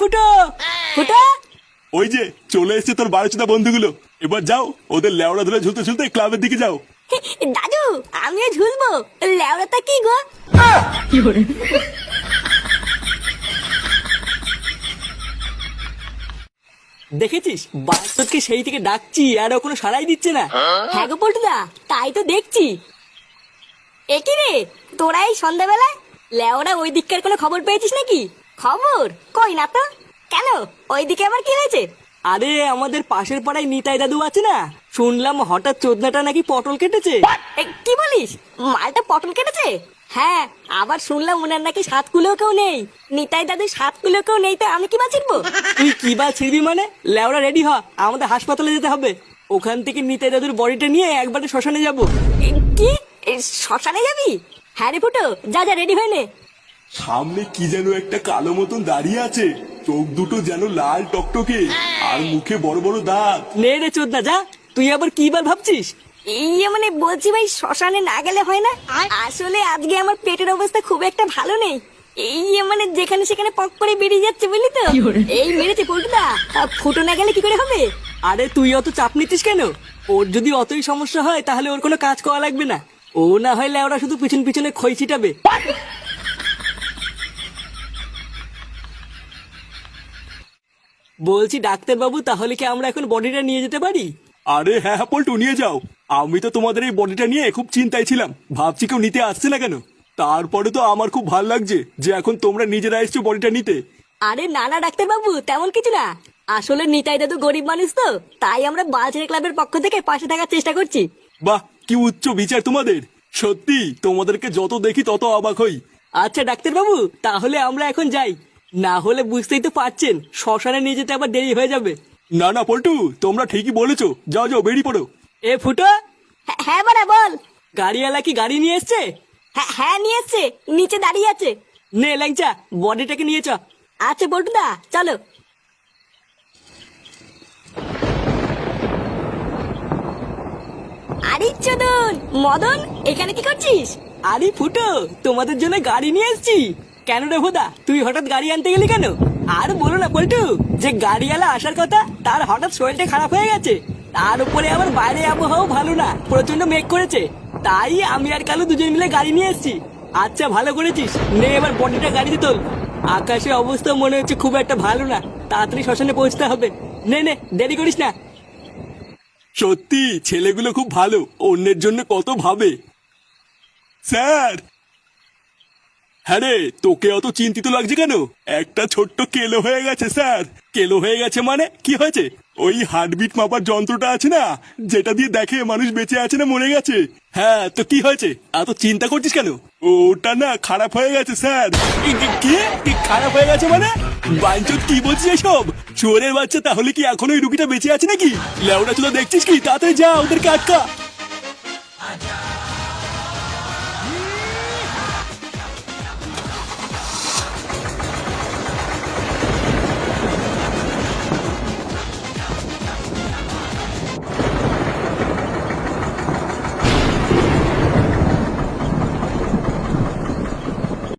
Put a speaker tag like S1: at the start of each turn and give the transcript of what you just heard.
S1: ফুটো ফুটো।
S2: ওই যে চলে এসেছে তোর বারোচোদা বন্ধুগুলো। এবার যাও, ওদের লেওড়া ধরে ঝুলতে ঝুলতে ক্লাবের দিকে যাও।
S1: দাদু আমিও ঝুলবো। লেওড়াটা কি গো? দেখেছিস বাস্তবকে সেই থেকে ডাকছি আর ও কোনো সাড়াই দিচ্ছে না। হ্যাঁ গো পল্টুদা, তাই তো দেখছি। একই রে, তোরা এই সন্ধ্যাবেলা লেওরা ওই দিককার কোনো খবর পেয়েছিস নাকি? খবর কই না তো। কেন, ওইদিকে আবার কি হয়েছে? আরে আমাদের পাশের পাড়ায় নিতাই দাদু আছে না, শুনলাম হঠাৎ চোদনাটা নাকি পটল কেটেছে। কি বলিস, মালটা পটল কেটেছে? হ্যাঁ, আবার শুনলাম ওনার নাকি 7 কুলোও কেউ নেই। নিতাই দাদু 7 কুলোও কেউ নেই, তো আমি কি বাঁচিবো? তুই কি বা ছিড়বি মানে? লেওরা রেডি হ, আমাদের হাসপাতালে যেতে হবে। ওখান থেকে নিতাই দাদুর বডিটা নিয়ে একবারে শ্মশানে যাব। কি শ্মশানে যাবি? হ্যাঁ রে ফুটো, যা যা রেডি হয়ে নে।
S2: সামনে কি যেন একটা কালো মতন দাঁড়িয়ে আছে, চোখ দুটো যেন লাল টকটকে, আর মুখে বড় বড় দাঁত।
S1: নে রে চোদনা, যা। তুই আবার কি বার ভাবছিস? এই মানে বলছি ভাই, শ্মশানে না গেলে হয় না? আসলে আজকে আমার পেটের অবস্থা খুব একটা ভালো নেই। এই মানে যেখানে সেখানে পক করে বেরিয়ে যাচ্ছে, বুঝলি তো? এই মেরেছে পল্টুদা, ফুটো না গেলে কি করে হবে? আরে তুই অত চাপ নিচ্ছিস কেন? ওর যদি অতই সমস্যা হয় তাহলে ওর কোনো কাজ করা লাগবে না। ও না হলে ওরা শুধু পিছন পিছনে খই ছিটাবে। বলছি ডাক্তার বাবু, তাহলে কি আমরা এখন বডিটা নিয়ে যেতে পারি?
S2: আরে হ্যাঁ হ্যাঁ পল্টু, নিয়ে যাও। আমি তো তোমাদের এই বডিটা নিয়ে খুব চিন্তায় ছিলাম, ভাবছি কেউ নিতে আসছে না কেন। তারপরে তো আমার খুব ভালো লাগছে যে এখন তোমরা নিজেরা এসছো বডিটা নিতে।
S1: আরে না না ডাক্তার বাবু, তেমন কিছু না। আসলে নিতাই দাদু গরিব মানুষ তো, তাই আমরা বালছেড়ে ক্লাবের পক্ষ থেকে পাশে থাকার চেষ্টা করছি।
S2: বাহ, কি উচ্চ বিচার তোমাদের। সত্যি তোমাদেরকে যত দেখি তত অবাক হই।
S1: আচ্ছা ডাক্তার বাবু, তাহলে আমরা এখন যাই। না হলে বুঝতেই তো পারছেন, শ্মশানে নিয়ে যেতে আবার দেরি হয়ে যাবে।
S2: না না পল্টু, তোমরা ঠিকই বলেছো, যাও যাও বেরিয়ে পড়ো।
S1: এ ফুটো। হ্যাঁ বাড়া বল। গাড়িওয়ালা কি গাড়ি নিয়ে এসছে? হ্যাঁ নিয়ে এসছে, নিচে দাঁড়িয়ে আছে। নে ল্যাংচা, বডিটাকে নিয়ে চ। আচ্ছা বল্টুদা, চলো। আরে চোদন মদন, এখানে কি করছিস? আরে ফুটো, তোমাদের জন্য গাড়ি নিয়ে এসেছি। কেন রে ভোদা, তুই হঠাৎ গাড়ি আনতে গেলি কেন? আর বলো না পল্টু, যে গাড়িওয়ালা আসার কথা তার হঠাৎ শরীরটা খারাপ হয়ে গেছে। তার উপরে আবার বাইরে আবহাওয়া ভালো না, প্রচন্ড মেঘ করেছে। তাই আমি আর কালু দুজন মিলে গাড়ি নিয়ে এসেছি। আচ্ছা ভালো করেছিস, নে এবার বডিটা গাড়িতে তোল। আকাশের অবস্থা মনে হচ্ছে খুব একটা ভালো না, তাড়াতাড়ি শ্মশানে পৌঁছতে হবে। নে নে, দেরি করিস না।
S2: সত্যি ছেলেগুলো খুব ভালো, অন্যের জন্য কত ভাবে। স্যার। হ্যাঁ রে, তোকে অত চিন্তিত লাগছে কেন? একটা ছোট্ট কেলো হয়ে গেছে স্যার। কেলো হয়ে গেছে মানে কি হয়েছে? ওই হার্টবিট মাপার যন্ত্রটা আছে না, যেটা দিয়ে দেখে মানুষ বেঁচে আছে না মরে গেছে। হ্যাঁ তো কি হয়েছে, এত চিন্তা করছিস কেন? ওটা না খারাপ হয়ে গেছে স্যার। কি খারাপ হয়ে গেছে মানে? বাঞ্চত কি বলছিস এসব? চোরের বাচ্চা, তাহলে কি এখন ওই রুগীটা বেঁচে আছে নাকি? লেওড়া চুলা দেখছিস কি? তাড়াতাড়ি যা, ওদেরকে আটকা।